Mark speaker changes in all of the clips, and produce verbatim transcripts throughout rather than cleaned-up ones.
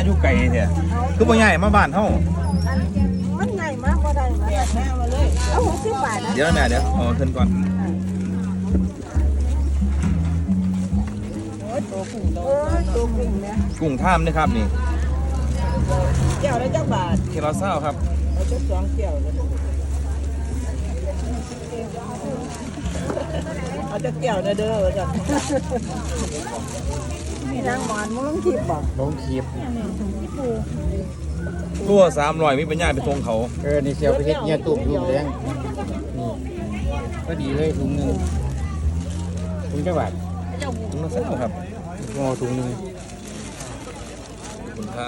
Speaker 1: อยู่ไกลแท้คือบ่ใหญ่มาบ้านเฮา
Speaker 2: มันใหญ่มากก็ได้มาแม่มาเลยเอาหกสิบบาทนะ
Speaker 1: เดี๋ยวแม่เดี๋ยวเอาขึ้นก่อน
Speaker 2: โอ้ยตัวกุ้งโอ้ยตัวกุ้งเนี่ย
Speaker 1: กุ้งท่ามนะครับนี่
Speaker 2: แก้วละจักบาท
Speaker 1: เคลาเศร้าครับ
Speaker 2: เอาจักสองแก้วเลยเอาจักแก้วนะเด้อจ้ะนี่นางหมอนมึงลงคลิปบ่
Speaker 3: ลงคลิป
Speaker 1: ตัวสามร้อยมีปัญญาไปทรงเขา
Speaker 3: เออนี่เสียวไปเฮ็ดเนี่ยตุ่มยุ่งแรงนี่ก็ดีเลยถุงหนึงถุงจังหวัด
Speaker 1: ถุงละเศร้าครับ
Speaker 3: งอถุงหนึง
Speaker 1: ขอบคุณครับ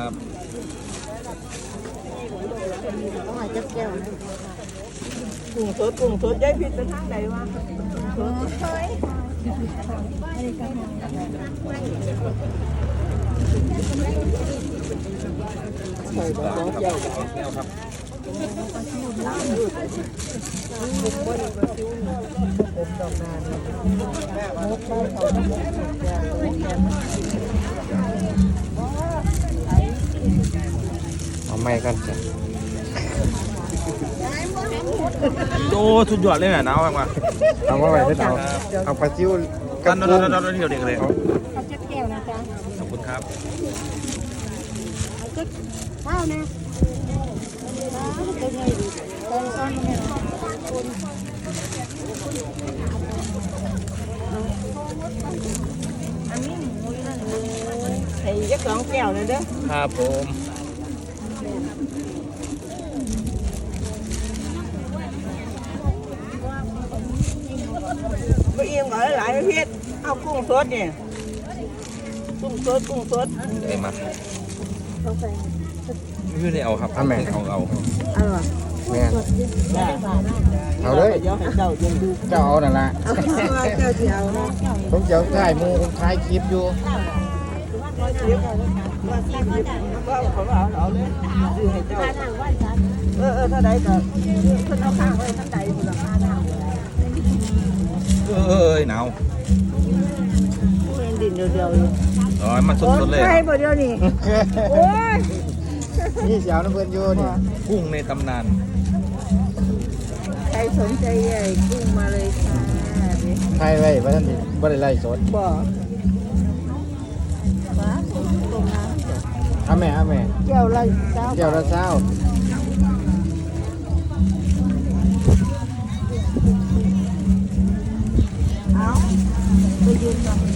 Speaker 2: ต้องหาจักแก้วนะกุ้งสดกุ้งสดยายผิดไปทางใดวะใส่สองแก้ว
Speaker 1: สองแก้วครับ
Speaker 3: เอาไม้กันจ้ะ
Speaker 1: โอ้สุดยอดเลยน่ะหนาวมาก
Speaker 3: เอามาไว้ให้เอาเอาปลาซิว
Speaker 1: ๆ
Speaker 3: กั
Speaker 1: กับ น
Speaker 3: กุ้ง
Speaker 1: เราเราเที่ยวเด็กเลย
Speaker 2: เอาจักแก้วนะจ๊ะ
Speaker 1: ขอบคุณครับ
Speaker 2: เอาจักข้าวนะตัวใหญ่ดิตัวซ้อนเนี่ยอันนี้หมูนั่นเลยใส่จักสองแก้วเลยเด้อ
Speaker 1: ครับผม
Speaker 2: ไปเอี่ยมก่อนหลายประเภทเอากุ้งสดเนี่ยกุ้งสดกุ้งสด
Speaker 1: ได้มา
Speaker 2: เขาใส่
Speaker 1: ไม่ได้เอาครับเอาเอาเอา
Speaker 2: เอาหรอ
Speaker 3: แม่น
Speaker 2: ได้
Speaker 3: เอาเลย
Speaker 2: เดี๋ยวให้เจ้ายังดู
Speaker 3: เจ้าเอานั่นล่ะ
Speaker 2: เอาเจ้าเดียวนะ
Speaker 3: ผมเจ้าถ่ายหมูผมถ่ายคลิปอยู่
Speaker 2: มาเสียบมาเสียบก็เขาเอาเอาเลยซื้อให้เจ้าเออเออเท่าใดก็เพิ่นเอาข้างไว้ท่านใดมูลค่าเท่า
Speaker 1: เอ้ยหนาว
Speaker 2: เห็นดินเดียวๆอยู่
Speaker 1: อ๋อมันสดๆเลย
Speaker 2: ใช่บ่เดียวนี่โอ้ย
Speaker 3: นี่เสียวน้ำเพิ่นอยู่นี่
Speaker 1: กุ้งในตำนาน
Speaker 2: ใครสนใจใหญ่กุ้งมาเลยค่ะ
Speaker 3: ถ่ายไว้ว่าท่านนี่บ่ได้ไล่สด
Speaker 2: บ่ว้าตรงน้ำ
Speaker 3: เอาแม่เอาแม่
Speaker 2: เกี่ยวละเจ้า
Speaker 3: เกี่ยวละเช้า
Speaker 2: เอาไปยืนก่อน